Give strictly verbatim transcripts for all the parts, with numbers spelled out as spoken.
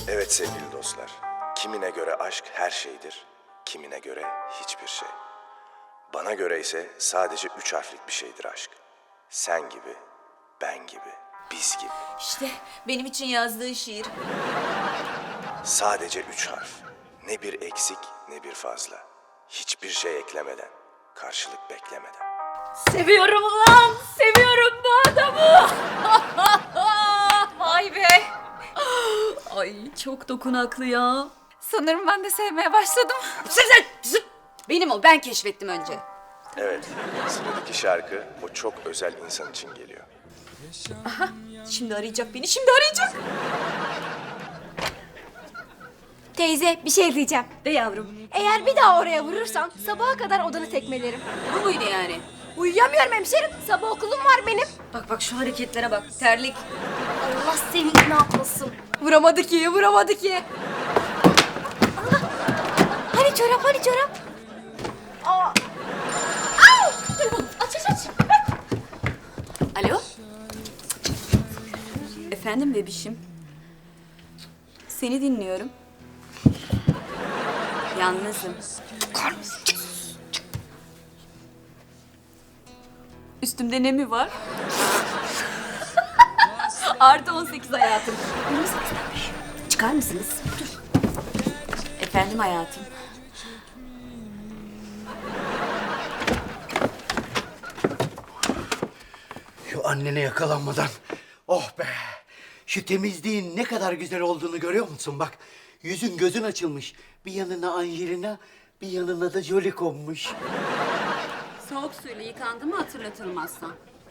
Evet sevgili dostlar, kimine göre aşk her şeydir, kimine göre hiçbir şey. Bana göre ise sadece üç harflik bir şeydir aşk. Sen gibi, ben gibi, biz gibi. İşte benim için yazdığı şiir. Sadece üç harf. Ne bir eksik ne bir fazla. Hiçbir şey eklemeden, karşılık beklemeden. Seviyorum ulan! Seviyorum bu adamı! Vay be! Ay çok dokunaklı ya. Sanırım ben de sevmeye başladım. Sizin! Zıp! Benim o, ben keşfettim önce. Evet, sıradaki şarkı o çok özel insan için geliyor. Şimdi arayacak beni, şimdi arayacak. Teyze bir şey diyeceğim. De yavrum. Eğer bir daha oraya vurursan sabaha kadar odanı tekmelerim. Bu muydu yani? Uyuyamıyorum hemşerim. Sabah okulum var benim. Bak bak şu hareketlere bak. Terlik. Allah seni ne yapmasın. Vuramadı ki, vuramadı ki. Allah. Hani çorap, hani çorap? Aa. Au! Aç aç aç. Alo? Efendim bebişim. Seni dinliyorum. Yalnızım. Üstümde ne mi var? Artı on sekiz hayatım. yirmi sekizden beş. Çıkar mısınız? Dur. Efendim hayatım. Şu annene yakalanmadan. Oh be! Şu temizliğin ne kadar güzel olduğunu görüyor musun? Bak, yüzün gözün açılmış. Bir yanına Angelina, bir yanına da Jolie konmuş. Soğuk suyla yıkandı mı hatırlatırım aslan.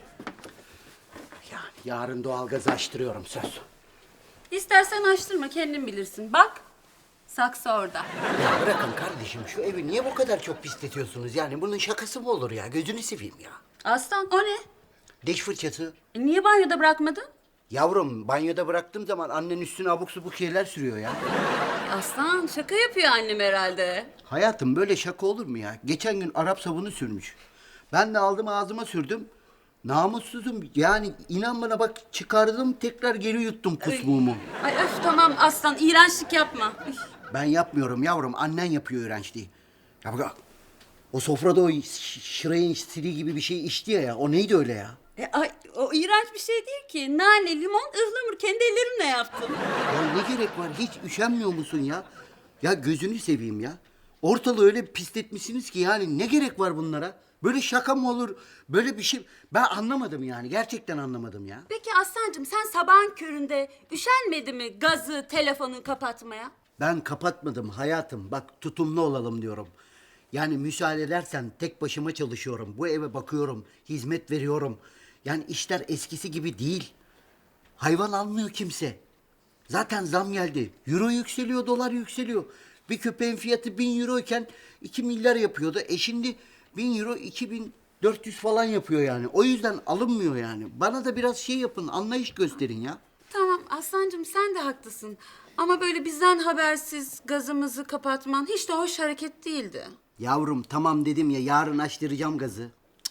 Yani yarın doğalgazı açtırıyorum söz. İstersen açtırma, kendin bilirsin. Bak, saksı orada. Ya bırakın kardeşim, şu evi niye bu kadar çok pisletiyorsunuz? Yani bunun şakası mı olur ya? Gözünü seveyim ya. Aslan, o ne? Diş fırçası. E, niye banyoda bırakmadın? Yavrum, banyoda bıraktığım zaman annen üstüne abuk subuk şeyler sürüyor ya. Aslan, şaka yapıyor annem herhalde. Hayatım, böyle şaka olur mu ya? Geçen gün Arap sabunu sürmüş. Ben de aldım ağzıma sürdüm. Namussuzum. Yani inan bana, bak çıkardım tekrar geri yuttum kusmuğumu. Ay öf tamam aslan, iğrençlik yapma. Üf. Ben yapmıyorum yavrum. Annen yapıyor iğrençliği. Ya bak, o sofrada o ş- şırayın stili gibi bir şey içti ya, ya. O neydi öyle ya? E, ay, o iğrenç bir şey değil ki. Nane, limon, ıhlamur kendi ellerimle yaptım. Ya ne gerek var? Hiç üşenmiyor musun ya? Ya gözünü seveyim ya. Ortalığı öyle pisletmişsiniz ki yani ne gerek var bunlara? Böyle şaka mı olur? Böyle bir şey... Ben anlamadım yani. Gerçekten anlamadım ya. Peki Aslancığım sen sabahın köründe üşenmedi mi gazı, telefonu kapatmaya? Ben kapatmadım hayatım. Bak, tutumlu olalım diyorum. Yani müsaade edersen tek başıma çalışıyorum. Bu eve bakıyorum, hizmet veriyorum. Yani işler eskisi gibi değil. Hayvan almıyor kimse. Zaten zam geldi. Euro yükseliyor, dolar yükseliyor. Bir köpeğin fiyatı bin euro iken iki milyar yapıyordu. E şimdi bin euro iki bin dört yüz falan yapıyor yani. O yüzden alınmıyor yani. Bana da biraz şey yapın, anlayış gösterin ya. Tamam Aslancığım sen de haklısın. Ama böyle bizden habersiz gazımızı kapatman hiç de hoş hareket değildi. Yavrum tamam dedim ya, yarın açtıracağım gazı.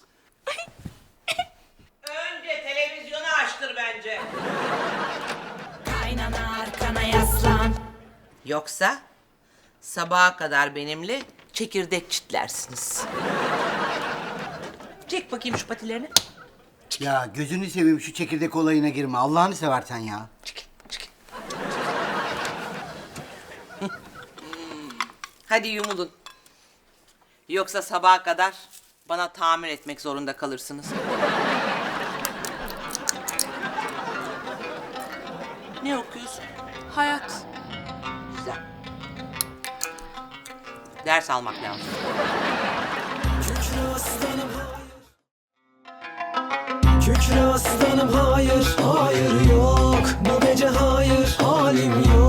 Önce televizyonu açtır bence. Kaynana arkana yaslan. Yoksa sabaha kadar benimle çekirdek çitlersiniz. Çek bakayım şu patilerini. Ya gözünü seveyim, şu çekirdek olayına girme. Allah'ını seversen ya. Çekil, çekil. Hadi yumulun. Yoksa sabaha kadar bana tamir etmek zorunda kalırsınız. Ne okuyorsun? Hayat. Güzel. Ders almak lazım. Kükre aslanım hayır, hayır yok. Bu gece hayır, halim yok.